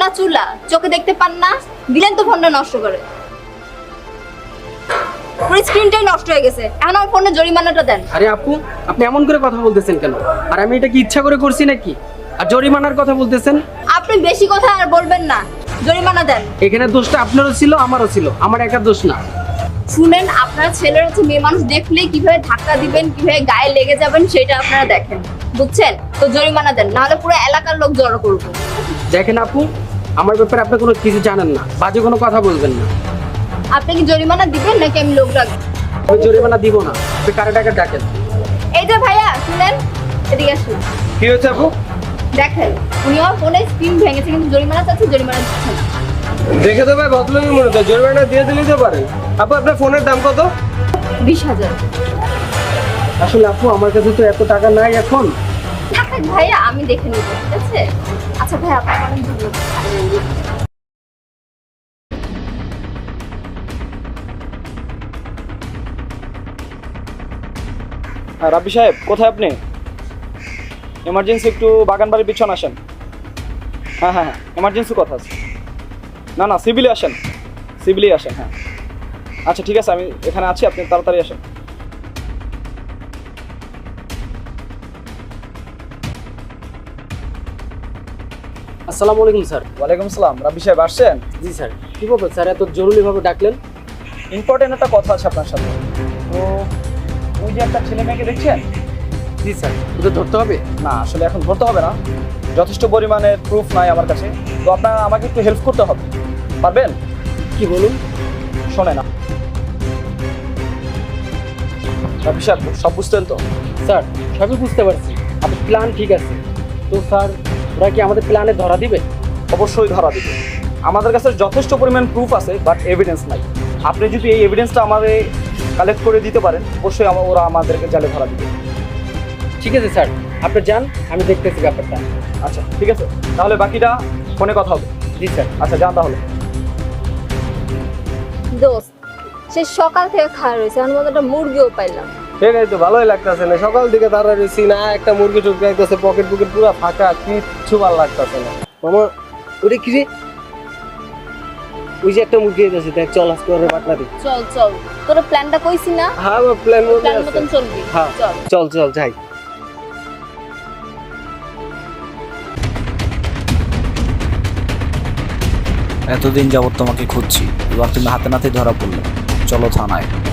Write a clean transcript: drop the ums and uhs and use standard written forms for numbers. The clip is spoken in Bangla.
না চুলা, চোখে দেখতে পান না? দিলেন তো ফোনটা নষ্ট করে। পুরো স্ক্রিনটাই নষ্ট হয়ে গেছে। এখন আমার ফোনে জরিমানাটা দেন। আরে আপু, আপনি এমন করে কথা বলতেছেন কেন? আর আমি এটা কি ইচ্ছা করে করছি নাকি? আর জরিমানার কথা বলতেছেন? আপনি বেশি কথা আর বলবেন না, জরিমানা দেন। এখানে দোষটা আপনারও ছিল, আমারও ছিল, আমার একার দোষ না। শুনেন, আপনারা ছেলেরা হচ্ছে মেয়ে মানুষ দেখলেই কিভাবে ধাক্কা দিবেন, কিভাবে গায়ে লেগে যাবেন সেটা আপনারা দেখেন, বুঝছেন? তো জরিমানা দেন, নাহলে পুরো এলাকার লোক জড়ো করবো। দেখেন আপু, আমার ব্যাপারে আপনি কোনো কিছু জানেন না, বাজে কোনো কথা বলবেন না। আপনি কি জরিমানা দিবেন নাকি আমি লোক রাখবো? আমি জরিমানা দিব না, আপনি কারে টাকা ডাকেন। এই যে ভাইয়া, শুনেন, এদিকে আসুন। কি হয়েছে আপু? দেখেন, উনি আমার ফোনে স্ক্রিন ভেঙেছে কিন্তু জরিমানা চাচ্ছে, জরিমানা দিচ্ছে না। দেখে তো ভাই ভদ্রলোকই মনে হচ্ছে, জরিমানা দিয়ে দিলেই তো পারেন। আপু আপনার ফোনের দাম কত? 20,000। আসলে আপু, আমার কাছে তো এত টাকা নাই এখন। থাকেন ভাইয়া, আমি দেখে নিব, ঠিক আছে? আচ্ছা ভাইয়া, আপনার অনেক ধন্যবাদ। রাব্বি সাহেব, কোথায় আপনি? এমার্জেন্সি একটু বাগান বাড়ির পিছনে আসেন। হ্যাঁ হ্যাঁ হ্যাঁ, এমার্জেন্সি কথা আছে। না না, সিভিলে আসেন, সিভিলেই আসেন। হ্যাঁ আচ্ছা ঠিক আছে, আমি এখানে আছি, আপনি তাড়াতাড়ি আসেন। আসসালামু আলাইকুম স্যার। ওয়ালাইকুম আসসালাম। রাব্বি সাহেব আসছেন? জি স্যার। কি ব্যাপার স্যার, এত জরুরিভাবে ডাকলেন? ইম্পর্টেন্ট একটা কথা আছে আপনার সাথে। তো ওই যে একটা ছেলে মেয়েকে দেখছেন? জি স্যার। ওদের ধরতে হবে? না, আসলে এখন ধরতে হবে না, যথেষ্ট পরিমাণের প্রুফ নাই আমার কাছে। তো আপনার আমাকে একটু হেল্প করতে হবে, পারবেন? কি বলুন? শোনেন রাব্বি সাহেব, সব বুঝতেন তো? স্যার, সবই বুঝতে পারছি, আপনার প্ল্যান ঠিক আছে। তো স্যার, ওরা কি আমাদের প্ল্যানে ধরা দিবে? অবশ্যই ধরা দিবে। আমাদের কাছে যথেষ্ট পরিমাণ প্রুফ আছে, বাট এভিডেন্স নাই। আপনি যদি এই এভিডেন্সটা আমাদের কালেক্ট করে দিতে পারেন, অবশ্যই ওরা আমাদেরকে জালে ধরা দিবে। ঠিক আছে স্যার, আপনি যান, আমি দেখতেছি ব্যাপারটা। আচ্ছা ঠিক আছে, তাহলে বাকিটা ফোনে কথা হবে। জি স্যার। আচ্ছা যান তাহলে। দোস্ত, সে সকাল থেকে খাওয়া রয়েছে, আমি মতো একটা মুরগিও পাইলাম। ঠিক আছে, তো ভালোই লাগতেছে না, সকাল দিকে দাঁড়া রয়েছি না, একটা মুরগি টুকরে একতেছে, পকেট পুকেট পুরো ফাঁকা, কিচ্ছু ভালো লাগতেছে না। মামা, ওটা কি রে? ওই যে একটা মুরগি আছে, দেখ, চল আজকে ওরে বাটনা দিই। চল চল, তোর প্ল্যানটা কইছি না? হ্যাঁ, প্ল্যান প্ল্যান মতন চলবি। হ্যাঁ, চল। চল চল যাই। এতদিন যাবত তোমাকে খুঁজছি, এবার তুমি হাতে নাতে ধরা পড়লে। চলো থানায়।